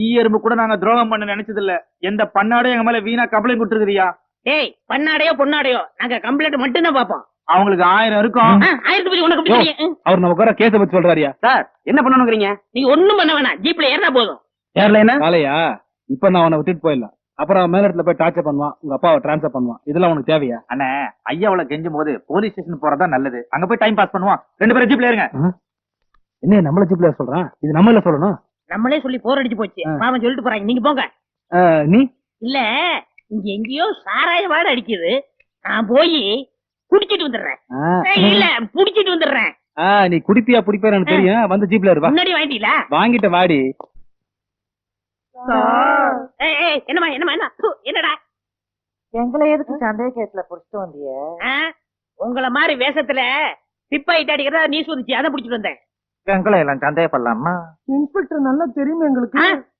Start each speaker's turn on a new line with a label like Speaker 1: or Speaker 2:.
Speaker 1: எறும்பு கூட நாங்க துரோகம் பண்ண நினைச்சது இல்ல. எந்த பண்ணாடும் எங்க மேல வீணா கம்ப்ளைண்ட் கொடுத்துருக்கியா?
Speaker 2: டேய் பண்ணாடையோ பொண்ணாடையோ நாங்க கம்ப்ளைண்ட் மட்டும் தான் பாப்போம்.
Speaker 1: அவங்களுக்கு 1000 இருக்கும்.
Speaker 2: 1000 பத்தி உனக்கு எப்படி தெரியும்?
Speaker 3: அவர் நமக்கு வர கேஸ பத்தி சொல்றாரியா?
Speaker 4: சார் என்ன பண்ணணுங்கிறீங்க?
Speaker 2: நீங்க ஒண்ணும் பண்ண வேணாம், ஜீப்ல ஏறினா போதும்.
Speaker 4: ஏர்லைனா
Speaker 3: காலையா இப்ப நான் அவனை விட்டுட்டு போயிடலாம். அப்புறம் மேல இடத்துல போய் டார்ச்சர் பண்ணுவான், உங்க அப்பாவை டிரான்ஸ்ஃபர் பண்ணுவான். இதெல்லாம் உனக்கு தேவையா?
Speaker 1: அண்ணே, ஐயாவளை கெஞ்சும் போது போலீஸ் ஸ்டேஷன் போறதா நல்லது. அங்க போய் டைம் பாஸ் பண்ணுவான். 2 பேரும் ஜீப்ல ஏறுங்க.
Speaker 3: என்ன நம்மள ஜிப்ல சொல்றான்? இது நம்மள சொல்லணும்.
Speaker 2: நம்மளே சொல்லி போர் அடிச்சு போச்சு. பாவம் சொல்லிட்டு போறாங்க, நீங்க போங்க.
Speaker 3: நீ
Speaker 2: இல்ல இங்க எங்கேயோ சாராய வாட அடிக்குது, நான் போய் குடிச்சிட்டு வந்துடுறேன். இல்ல புடிச்சிட்டு வந்துடுறேன்.
Speaker 3: நீ குடிப்பியா புடிப்பியா எனக்கு தெரியும். வந்து ஜீப்ல இருவா.
Speaker 2: முன்னாடி வாங்கிட்டீங்களா?
Speaker 3: வாங்கிட்ட வாடி.
Speaker 2: என்னமா என்னமா என்ன என்னடா
Speaker 5: எங்களை எதுக்கு சந்தேக கேஸ்ல புடிச்சிட்டு வந்திய?
Speaker 2: உங்கள மாதிரி வேஷத்துல பிப்பாயிட்டு அடிக்கிறதா நீ சொல்லிச்சு, அதை புடிச்சிட்டு வந்தேன்.
Speaker 1: எங்களை எல்லாம் சந்தேகப்படலாமா?
Speaker 5: இன்ஸ்பெக்டர் நல்லா தெரியும் எங்களுக்கு.